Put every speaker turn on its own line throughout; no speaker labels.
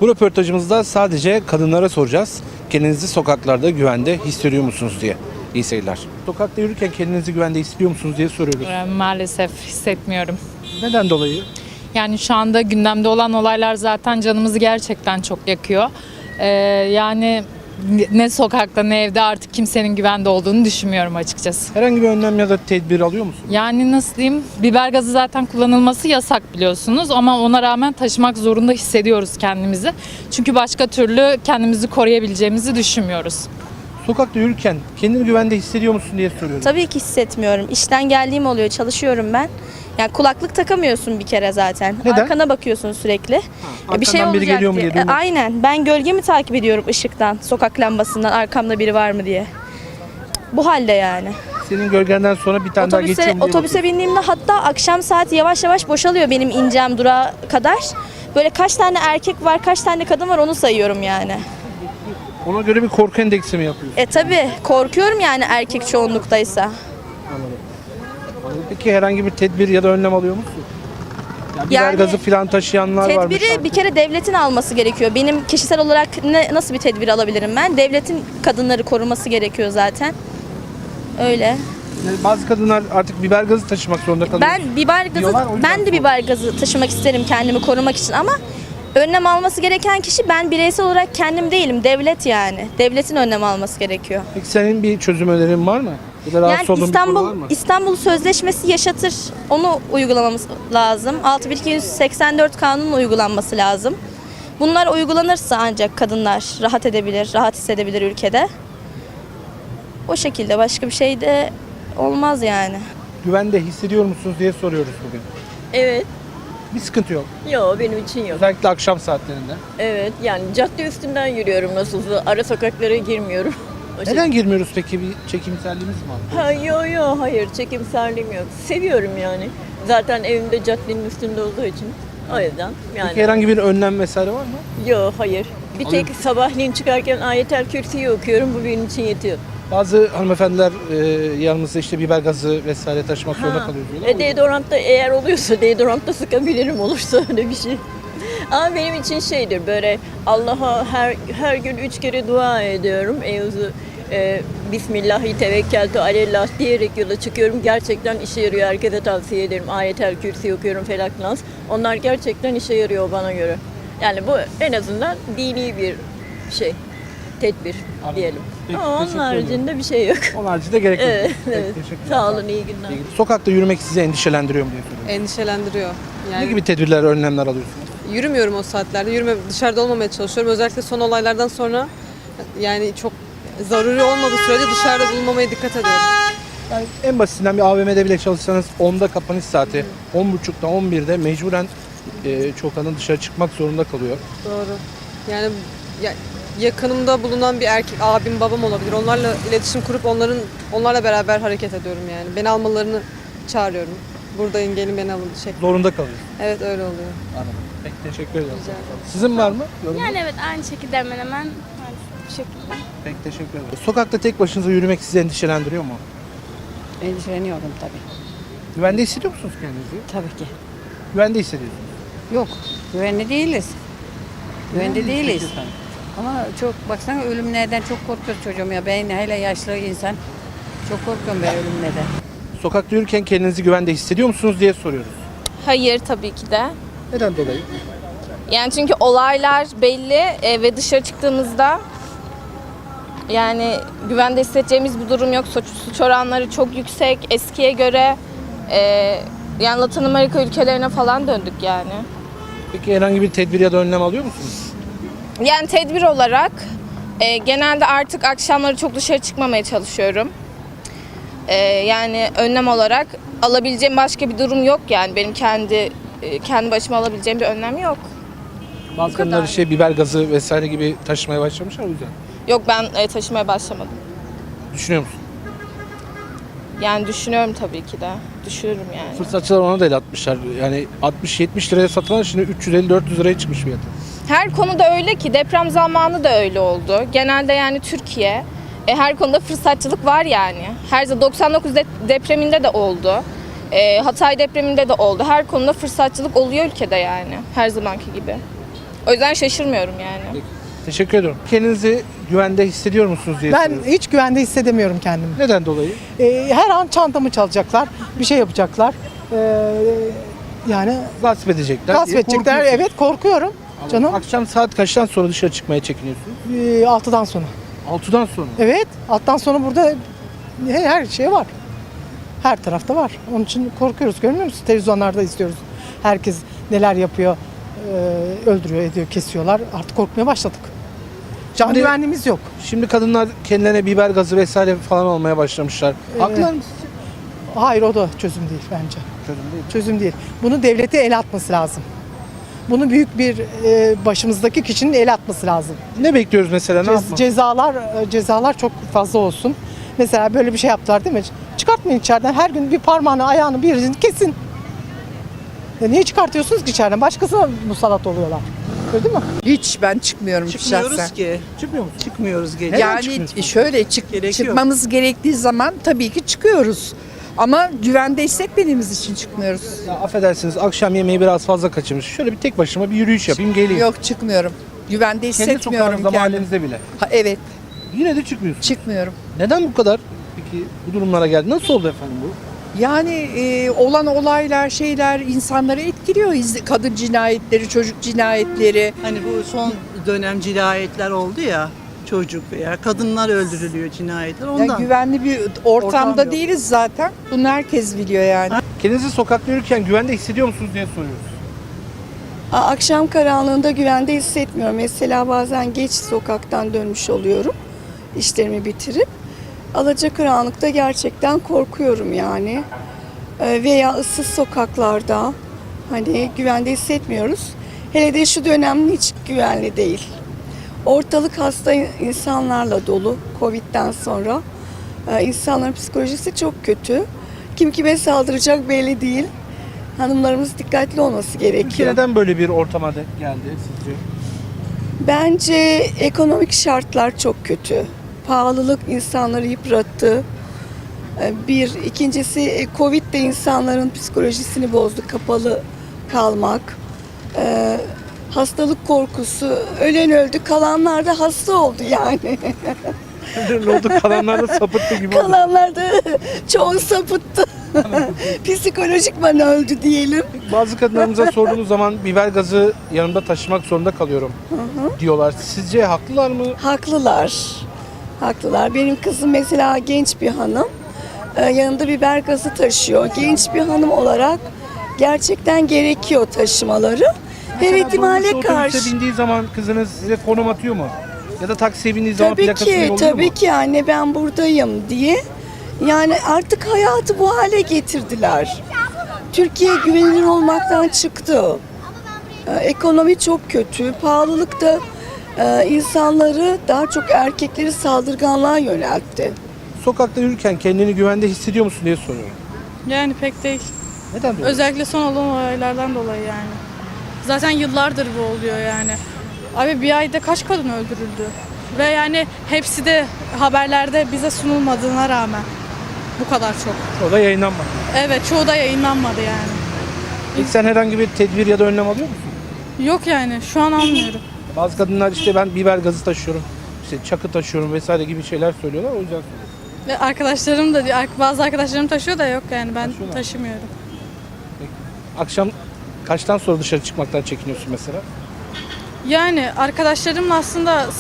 Bu röportajımızda sadece kadınlara soracağız. Kendinizi sokaklarda güvende hissediyor musunuz diye. İyi seyirler. Sokakta yürürken kendinizi güvende hissediyor musunuz diye soruyoruz.
Maalesef hissetmiyorum.
Neden dolayı?
Yani şu anda gündemde olan olaylar zaten canımızı gerçekten çok yakıyor. Yani ne sokakta ne evde artık kimsenin güvende olduğunu düşünmüyorum açıkçası.
Herhangi bir önlem ya da tedbir alıyor musunuz?
Yani nasıl diyeyim, biber gazı zaten kullanılması yasak biliyorsunuz ama ona rağmen taşımak zorunda hissediyoruz kendimizi. Çünkü başka türlü kendimizi koruyabileceğimizi düşünmüyoruz.
Sokakta yürürken kendini güvende hissediyor musun diye soruyorum.
Tabii ki hissetmiyorum. İşten geldiğim oluyor, çalışıyorum ben. Yani kulaklık takamıyorsun bir kere zaten.
Neden?
Arkana bakıyorsun sürekli. Bir şey
arkandan biri
olacak
geliyor mu
diye.
diye duymak.
Aynen. Ben gölgemi takip ediyorum ışıktan, sokak lambasından arkamda biri var mı diye. Bu halde yani.
Senin gölgenden sonra bir tane daha geçiyor mu diye
Otobüse
bakıyorsun.
bindiğimde hatta akşam saat yavaş yavaş boşalıyor benim ineceğim durağa kadar. Böyle kaç tane erkek var, kaç tane kadın var onu sayıyorum yani.
Ona göre bir korku endeksi mi yapıyorsun?
Tabii korkuyorum yani erkek çoğunluktaysa.
Anladım. Peki herhangi bir tedbir ya da önlem alıyor musun? Ya biber
Yani
gazı falan taşıyanlar varmış.
Tedbiri bir kere devletin alması gerekiyor. Benim kişisel olarak nasıl bir tedbir alabilirim ben? Devletin kadınları koruması gerekiyor zaten. Öyle.
Yani bazı kadınlar artık biber gazı taşımak zorunda kalıyor.
Ben biber gazı
Diyorlar, o yüzden
ben de biber gazı taşımak isterim kendimi korumak için ama önlem alması gereken kişi ben bireysel olarak kendim değilim. Devlet yani. Devletin önlem alması gerekiyor.
Peki senin bir çözüm önerin var mı? Ya da rahatsız
Yani
olduğun bir konu var mı?
İstanbul Sözleşmesi yaşatır. Onu uygulamamız lazım. 6284 kanunun uygulanması lazım. Bunlar uygulanırsa ancak kadınlar rahat edebilir, rahat hissedebilir ülkede. O şekilde başka bir şey de olmaz yani.
Güvende hissediyor musunuz diye soruyoruz bugün.
Evet.
Bir sıkıntı yok.
Yok benim için yok.
Özellikle akşam saatlerinde.
Evet yani cadde üstünden yürüyorum nasılsa. Ara sokaklara girmiyorum. O
Neden girmiyoruz peki? Bir çekimselliğimiz mi var?
Hayır çekimserliğim yok. Seviyorum yani. Zaten evimde caddenin üstünde olduğu için. O yüzden yani.
Peki herhangi bir önlem vesaire var mı?
Yok hayır. Bir tek sabahleyin çıkarken Ayetel Kürsi'yi okuyorum. Bu benim için yetiyor.
Bazı hanımefendiler yanımızda işte biber gazı vesaire taşımak zorunda kalıyor diyorlar.
Deodorant da eğer oluyorsa deodorant da sıkabilirim olursa öyle bir şey. Ama benim için şeydir böyle Allah'a her gün 3 kere dua ediyorum. Bismillahi tevekkeltu alellah diyerek yola çıkıyorum. Gerçekten işe yarıyor. Herkese tavsiye ederim. Ayetel Kürsi okuyorum, Felak Nas. Onlar gerçekten işe yarıyor bana göre. Yani bu en azından dini bir şey. Tedbir diyelim.
Peki,
Ama onun
teşekkür
haricinde bir şey yok.
Onun haricinde gerek yok.
Evet,
Peki,
evet.
teşekkürler.
Sağ olun, iyi günler.
Sokakta yürümek sizi endişelendiriyor mu diye soruyorum.
Endişelendiriyor.
Ne
Yani
gibi tedbirler, önlemler alıyorsunuz?
yürümüyorum o saatlerde. Dışarıda olmamaya çalışıyorum. Özellikle son olaylardan sonra yani çok zaruri olmadığı sürece dışarıda bulunmamaya dikkat ediyorum.
Yani en basitinden bir AVM'de bile çalışsanız 10'da kapanış saati, 10.30'da 11'de mecburen çok kadın dışarı çıkmak zorunda kalıyor.
Doğru. Yani yakınımda bulunan bir erkek, abim, babam olabilir. Onlarla iletişim kurup onlarla beraber hareket ediyorum yani. Beni almalarını çağırıyorum. Buradayım, gelin beni alın şeklinde.
Zorunda kalıyor.
Evet öyle oluyor.
Anladım. Peki teşekkür ederim.
Rica ederim.
Sizin var mı? Yorumunuz?
Yani evet aynı şekilde hemen hemen bu şekilde.
Peki teşekkür ederim. Sokakta tek başınıza yürümek sizi endişelendiriyor mu?
Endişeleniyorum tabii.
Güvende hissediyor musunuz kendinizi?
Tabii ki.
Güvende hissediyorsunuz.
Yok, güvenli değiliz. Güvende değiliz.
Peki efendim.
Ama çok baksana ölümlerden çok korkuyoruz çocuğum ya. Ben hele yaşlı insan çok korkuyorum ben ölümlerden.
Sokakta yürürken kendinizi güvende hissediyor musunuz diye soruyoruz.
Hayır tabii ki de.
Neden dolayı?
Yani çünkü olaylar belli ve dışarı çıktığımızda yani güvende hissedeceğimiz bir durum yok. Suç oranları çok yüksek eskiye göre. Yani Latin Amerika ülkelerine falan döndük yani.
Peki herhangi bir tedbir ya da önlem alıyor musunuz?
Yani tedbir olarak genelde artık akşamları çok dışarı çıkmamaya çalışıyorum. Yani önlem olarak alabileceğim başka bir durum yok yani benim kendi başıma alabileceğim bir önlem yok.
Bazı kadınlar işte biber gazı vesaire gibi taşımaya başlamışlar o yüzden.
Yok ben taşımaya başlamadım.
Düşünüyor musun?
Yani düşünüyorum tabii ki de. Düşünürüm yani.
Fırsatçılar ona da el atmışlar. Yani 60-70 liraya satılan şimdi 350-400 liraya çıkmış fiyatı.
Her konuda öyle ki deprem zamanı da öyle oldu. Genelde yani Türkiye her konuda fırsatçılık var yani. Her zaman 99 depreminde de oldu. Hatay depreminde de oldu. Her konuda fırsatçılık oluyor ülkede yani. Her zamanki gibi. O yüzden şaşırmıyorum yani.
Teşekkür ediyorum. Kendinizi güvende hissediyor musunuz diye
Ben
soruyorum.
hiç güvende hissedemiyorum kendimi.
Neden dolayı?
Her an çantamı çalacaklar, bir şey yapacaklar. Yani
Gasp edecekler.
gasp
diye
edecekler.
korkuyorsunuz.
Evet, korkuyorum. Canım
Akşam saat kaçtan sonra dışarı çıkmaya çekiniyorsunuz?
6'dan sonra.
6'dan sonra.
Evet, 6'dan sonra burada her şey var. Her tarafta var. Onun için korkuyoruz. Görmüyor musun? Televizyonlarda izliyoruz. Herkes neler yapıyor, öldürüyor, ediyor, kesiyorlar. Artık korkmaya başladık. Can
Şimdi-
güvenliğimiz yok.
Şimdi kadınlar kendilerine biber gazı vesaire falan olmaya başlamışlar. Haklılar mı sizce?
Hayır, o da çözüm değil bence.
Çözüm değil.
Çözüm değil. Bunu devlete el atması lazım. Bunu büyük bir başımızdaki kişinin el atması lazım.
Ne bekliyoruz mesela? Ne yapmak?
Cezalar çok fazla olsun. Mesela böyle bir şey yaptılar değil mi? Çıkartmayın içeriden. Her gün bir parmağını, ayağını, bir yerini kesin. Niye çıkartıyorsunuz ki içeriden? Başkasına musallat oluyorlar. Öyle değil mi?
Hiç ben çıkmıyorum
Çıkmıyoruz
şahsen.
ki.
Çıkmıyor musun?
Çıkmıyoruz gece.
Neden
Yani
çıkmıyorsunuz?
şöyle
Gerekiyor.
çıkmamız gerektiği zaman tabii ki çıkıyoruz. Ama güvende hissetmediğimiz için çıkmıyoruz.
Ya affedersiniz, akşam yemeği biraz fazla kaçırmış. Şöyle bir tek başıma bir yürüyüş yapayım geleyim.
Yok, çıkmıyorum. Güvende
Kendi
hissetmiyorum
sokağınızda,
kendimi.
mahallenizde bile.
Evet,
Yine de çıkmıyorsunuz.
çıkmıyorum.
Neden bu kadar peki bu durumlara geldi? Nasıl oldu efendim bu?
Yani olan olaylar, şeyler insanları etkiliyor. Kadın cinayetleri, çocuk cinayetleri.
Hani bu son dönem cinayetler oldu ya. Çocuk veya kadınlar öldürülüyor cinayetler ondan.
Yani güvenli bir
Ortam
ortamda
yok.
değiliz zaten. Bunu herkes biliyor yani.
Kendinizi sokakta yürürken güvende hissediyor musunuz diye soruyoruz.
Akşam karanlığında güvende hissetmiyorum. Mesela bazen geç sokaktan dönmüş oluyorum. İşlerimi bitirip. Alacakaranlıkta gerçekten korkuyorum yani. Veya ıssız sokaklarda hani güvende hissetmiyoruz. Hele de şu dönem hiç güvenli değil. Ortalık hasta insanlarla dolu Covid'den sonra. İnsanların psikolojisi çok kötü. Kim kime saldıracak belli değil. Hanımlarımız dikkatli olması
Ülke
gerekiyor.
neden böyle bir ortama geldi sizce?
Bence ekonomik şartlar çok kötü. Pahalılık insanları yıprattı. İkincisi Covid de insanların psikolojisini bozdu. Kapalı kalmak. Hastalık korkusu. Ölen öldü, kalanlar da hasta oldu yani.
Ne oldu? Kalanlar da sapıttı gibi oldu.
Kalanlar da çoğu sapıttı. Psikolojikman öldü diyelim.
Bazı kadınlarımıza sorduğunuz zaman biber gazı yanımda taşımak zorunda kalıyorum diyorlar. Sizce haklılar mı?
Haklılar. Haklılar. Benim kızım mesela genç bir hanım. Yanında biber gazı taşıyor. Genç bir hanım olarak gerçekten gerekiyor taşımaları. Her ihtimale
Dolmuşta
karşı.
otobüse bindiği zaman kızınız size konum atıyor mu? Ya da taksiye bindiği zaman
Tabii
plakasını
ki,
yolluyor
tabii
mu?
ki anne ben buradayım diye. Yani artık hayatı bu hale getirdiler. Türkiye güvenilir olmaktan çıktı. Ekonomi çok kötü. Pahalılık da insanları daha çok erkekleri saldırganlığa yöneltti.
Sokakta yürürken kendini güvende hissediyor musun diye soruyorum.
Yani pek değil.
Neden böyle?
Özellikle son olan olaylardan dolayı yani. Zaten yıllardır bu oluyor yani. Abi bir ayda kaç kadın öldürüldü? Ve yani hepsi de haberlerde bize sunulmadığına rağmen bu kadar çok.
O da yayınlanmadı.
Evet, çoğu da yayınlanmadı yani.
İlk sen herhangi bir tedbir ya da önlem alıyor musun?
Yok yani şu an almıyorum.
Bazı kadınlar işte ben biber gazı taşıyorum, işte çakı taşıyorum vesaire gibi şeyler söylüyorlar. O yüzden soruyorum.
Ve arkadaşlarım da bazı arkadaşlarım taşıyor da yok yani ben
Taşıyorlar.
taşımıyorum.
Akşam kaçtan sonra dışarı çıkmaktan çekiniyorsun mesela?
Yani arkadaşlarımla aslında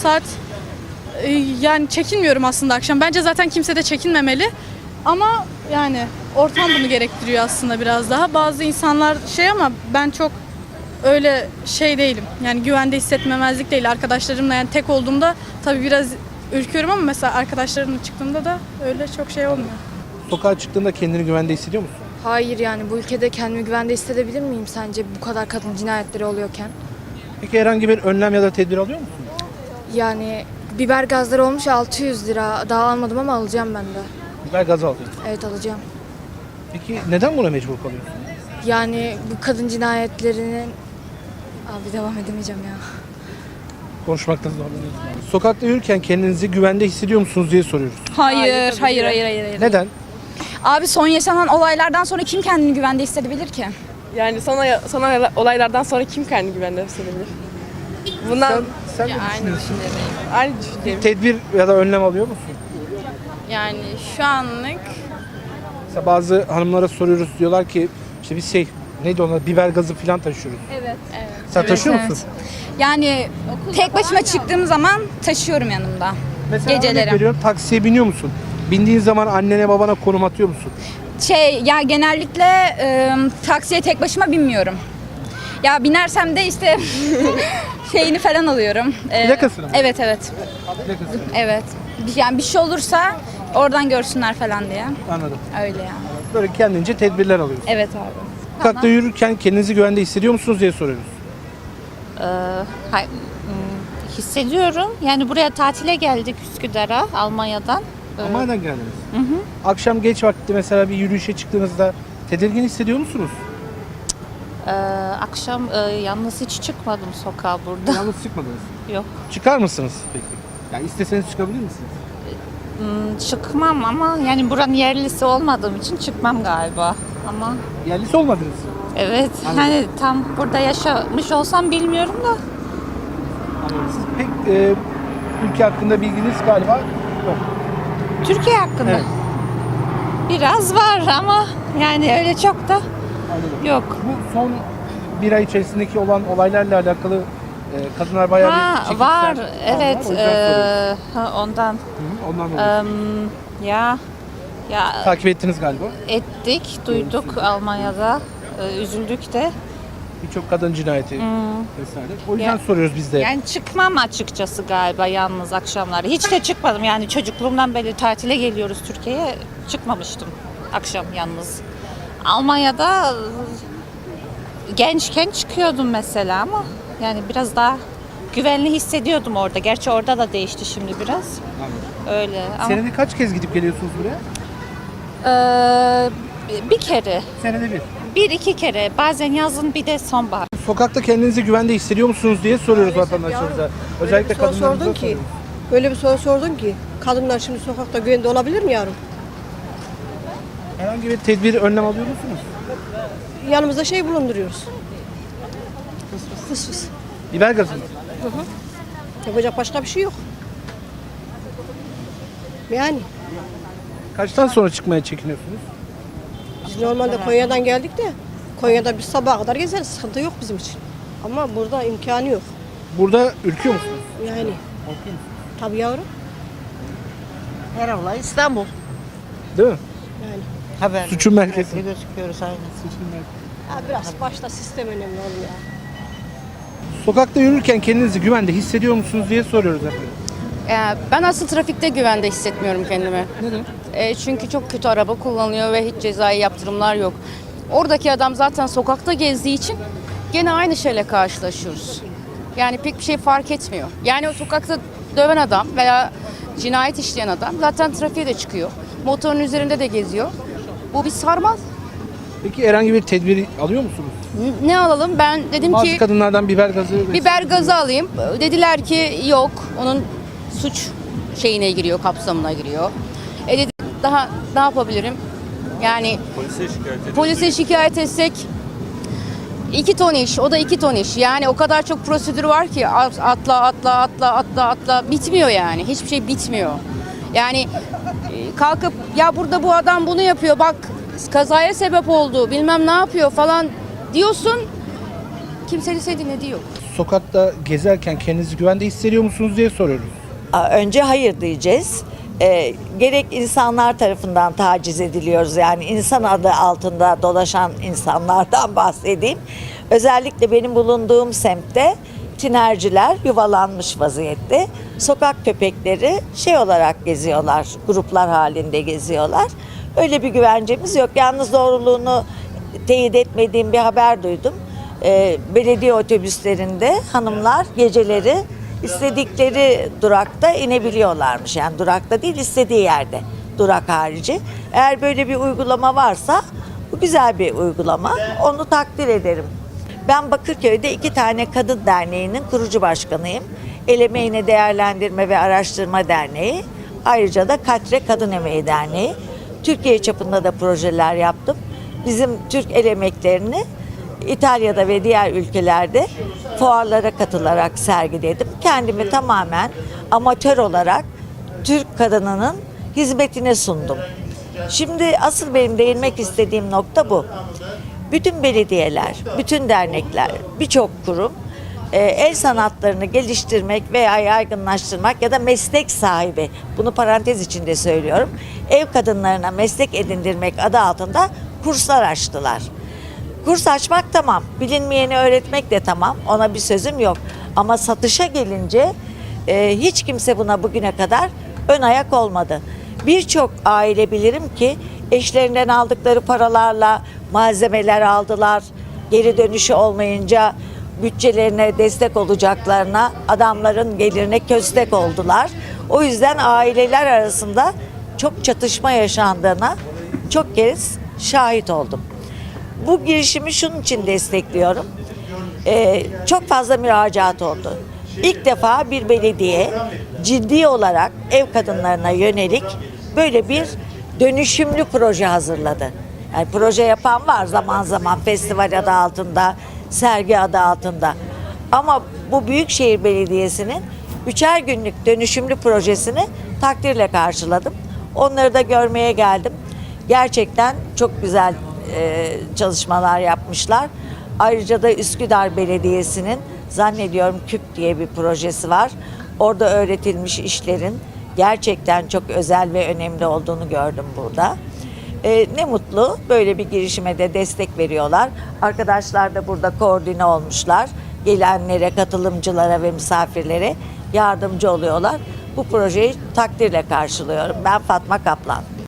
yani çekinmiyorum aslında akşam. Bence zaten kimse de çekinmemeli. Ama yani ortam bunu gerektiriyor aslında biraz daha. Bazı insanlar ama ben çok öyle değilim. Yani güvende hissetmemezlik değil. Arkadaşlarımla yani tek olduğumda tabii biraz ürküyorum ama mesela arkadaşlarımla çıktığımda da öyle çok olmuyor.
Sokağa çıktığında kendini güvende hissediyor musun?
Hayır yani bu ülkede kendimi güvende hissedebilir miyim sence bu kadar kadın cinayetleri oluyorken?
Peki herhangi bir önlem ya da tedbir alıyor musun?
Yani biber gazları olmuş 600 lira. Daha almadım ama alacağım ben de.
Biber gazı alıyorsun.
Evet alacağım.
Peki neden buna mecbur kalıyorsun?
Yani bu kadın cinayetlerinin... Abi devam edemeyeceğim ya.
Konuşmakta zorlanıyorsun. Sokakta yürürken kendinizi güvende hissediyor musunuz diye soruyoruz.
Hayır.
Neden?
Abi son yaşanan olaylardan sonra kim kendini güvende hissedebilir ki?
Yani son olaylardan sonra kim kendini güvende hissedebilir?
Sen ne düşünüyorsun?
Aynı düşünüyorum.
Tedbir ya da önlem alıyor musun?
Yani şu anlık
Mesela bazı hanımlara soruyoruz, diyorlar ki işte biz neydi ona, biber gazı falan taşıyoruz.
evet.
Sen taşıyor musun?
Yani tek başıma çıktığım zaman taşıyorum yanımda.
Mesela
Geceleri.
örnek veriyorum, taksiye biniyor musun? Bindiğin zaman annene babana konum atıyor musun?
Ya genellikle taksiye tek başıma binmiyorum. Ya binersem de işte şeyini falan alıyorum.
Plakasını mı?
Evet.
Plakasını.
Evet. Yani bir şey olursa oradan görsünler falan diye.
Anladım.
Öyle yani.
Böyle kendince tedbirler alıyorsun.
Evet abi.
Sokakta yürürken kendinizi güvende hissediyor musunuz diye soruyoruz.
Hissediyorum. Yani buraya tatile geldik Üsküdar'a, Almanya'dan.
Almanya'dan geldiniz. Akşam geç vakti mesela bir yürüyüşe çıktığınızda tedirgin hissediyor musunuz?
Akşam yalnız hiç çıkmadım sokağa burada.
Yalnız çıkmadınız.
Yok.
Çıkar mısınız peki? Yani isteseniz çıkabilir misiniz?
Çıkmam ama yani buranın yerlisi olmadığım için çıkmam galiba. Ama
Yerlisi olmadınız.
evet,
Anladım.
hani tam burada yaşamış olsam bilmiyorum da.
Anladım. Siz pek ülke hakkında bilginiz galiba yok.
Türkiye hakkında
Evet.
biraz var ama yani öyle çok da
Anladım.
yok.
Bu son bir ay içerisindeki olan olaylarla alakalı kadınlar bayağı bir çekimser
Var,
kaldılar.
evet.
O yüzden soruyoruz.
Ondan.
Ondan dolayı.
Ya
Takip ettiniz galiba.
ettik, duyduk Almanya'da. Üzüldük de.
Birçok kadın cinayeti vesaire. O yüzden soruyoruz biz de.
Yani çıkmam açıkçası galiba yalnız akşamları. Hiç de çıkmadım yani çocukluğumdan beri tatile geliyoruz Türkiye'ye. Çıkmamıştım akşam yalnız. Almanya'da gençken çıkıyordum mesela ama yani biraz daha güvenli hissediyordum orada. Gerçi orada da değişti şimdi biraz. Öyle ama
Senede kaç kez gidip geliyorsunuz buraya?
bir kere,
Senede bir.
bir iki kere bazen yazın bir de sonbahar.
Sokakta kendinizi güvende hissediyor musunuz diye soruyoruz vatandaşlarımıza. Özellikle kadınlarımıza soruyoruz.
Öyle bir soru sordun ki kadınlar şimdi sokakta güvende olabilir mi yavrum?
Herhangi bir tedbir, önlem alıyor musunuz?
Yanımızda şey bulunduruyoruz. Fıs.
Biber gazı mı?
Yapacak başka bir şey yok. Yani
Kaçtan sonra çıkmaya çekiniyorsunuz?
biz normalde Konya'dan geldik de Konya'da biz sabaha kadar gezeriz. Sıkıntı yok bizim için. Ama burada imkanı yok.
Burada ürküyor musunuz?
Yani tabii yavrum.
Her olay İstanbul.
Değil mi?
Yani
Haber.
Suçun merkezi.
Gözüküyoruz aynen.
ya biraz başta sistem önemli oğlum ya.
Sokakta yürürken kendinizi güvende hissediyor musunuz diye soruyoruz efendim.
Ben asıl trafikte güvende hissetmiyorum kendimi.
Neden?
Çünkü çok kötü araba kullanıyor ve hiç cezai yaptırımlar yok. Oradaki adam zaten sokakta gezdiği için gene aynı şeyle karşılaşıyoruz. Yani pek bir şey fark etmiyor. Yani o sokakta döven adam veya cinayet işleyen adam zaten trafiğe de çıkıyor. Motorun üzerinde de geziyor. Bu bir sarmal.
Peki herhangi bir tedbir alıyor musunuz?
Ne alalım? Ben dedim
Bazı
ki
kadınlardan biber gazı...
biber gazı alayım. Dediler ki yok. Onun suç şeyine giriyor, kapsamına giriyor. Dedim daha ne yapabilirim? Yani polise şikayet etsek 2 ton iş, o da 2 ton iş. Yani o kadar çok prosedür var ki atla bitmiyor yani. Hiçbir şey bitmiyor. Yani kalkıp ya burada bu adam bunu yapıyor bak kazaya sebep oldu bilmem ne yapıyor falan diyorsun. Kimsenin seni dinlediği yok.
Sokakta gezerken kendinizi güvende hissediyor musunuz diye soruyoruz.
Önce hayır diyeceğiz. Gerek insanlar tarafından taciz ediliyoruz. Yani insan adı altında dolaşan insanlardan bahsedeyim. Özellikle benim bulunduğum semtte tinerciler yuvalanmış vaziyette. Sokak köpekleri şey olarak geziyorlar, gruplar halinde geziyorlar. Öyle bir güvencemiz yok. Yalnız doğruluğunu teyit etmediğim bir haber duydum. Belediye otobüslerinde hanımlar geceleri istedikleri durakta inebiliyorlarmış. Yani durakta değil, istediği yerde, durak harici. Eğer böyle bir uygulama varsa bu güzel bir uygulama. Onu takdir ederim. Ben Bakırköy'de 2 tane kadın derneğinin kurucu başkanıyım. El Emeğini Değerlendirme ve Araştırma Derneği. Ayrıca da Katre Kadın Emeği Derneği. Türkiye çapında da projeler yaptım. Bizim Türk el emeklerini İtalya'da ve diğer ülkelerde fuarlara katılarak sergiledim. Kendimi tamamen amatör olarak Türk kadınının hizmetine sundum. Şimdi asıl benim değinmek istediğim nokta bu. Bütün belediyeler, bütün dernekler, birçok kurum el sanatlarını geliştirmek veya yaygınlaştırmak ya da meslek sahibi, bunu parantez içinde söylüyorum, ev kadınlarına meslek edindirmek adı altında kurslar açtılar. Kurs açmak tamam, bilinmeyeni öğretmek de tamam, ona bir sözüm yok. Ama satışa gelince hiç kimse buna bugüne kadar ön ayak olmadı. Birçok aile bilirim ki eşlerinden aldıkları paralarla malzemeler aldılar. Geri dönüşü olmayınca bütçelerine destek olacaklarına adamların gelirine köstek oldular. O yüzden aileler arasında çok çatışma yaşandığına çok kez şahit oldum. Bu girişimi şunun için destekliyorum. Çok fazla müracaat oldu. İlk defa bir belediye ciddi olarak ev kadınlarına yönelik böyle bir dönüşümlü proje hazırladı. Yani proje yapan var zaman zaman, festival adı altında, sergi adı altında. Ama bu Büyükşehir Belediyesi'nin 3'er günlük dönüşümlü projesini takdirle karşıladım. Onları da görmeye geldim. Gerçekten çok güzel çalışmalar yapmışlar. Ayrıca da Üsküdar Belediyesi'nin zannediyorum KÜP diye bir projesi var. Orada öğretilmiş işlerin gerçekten çok özel ve önemli olduğunu gördüm burada. Ne mutlu böyle bir girişime de destek veriyorlar. Arkadaşlar da burada koordine olmuşlar. Gelenlere, katılımcılara ve misafirlere yardımcı oluyorlar. Bu projeyi takdirle karşılıyorum. Ben Fatma Kaplan.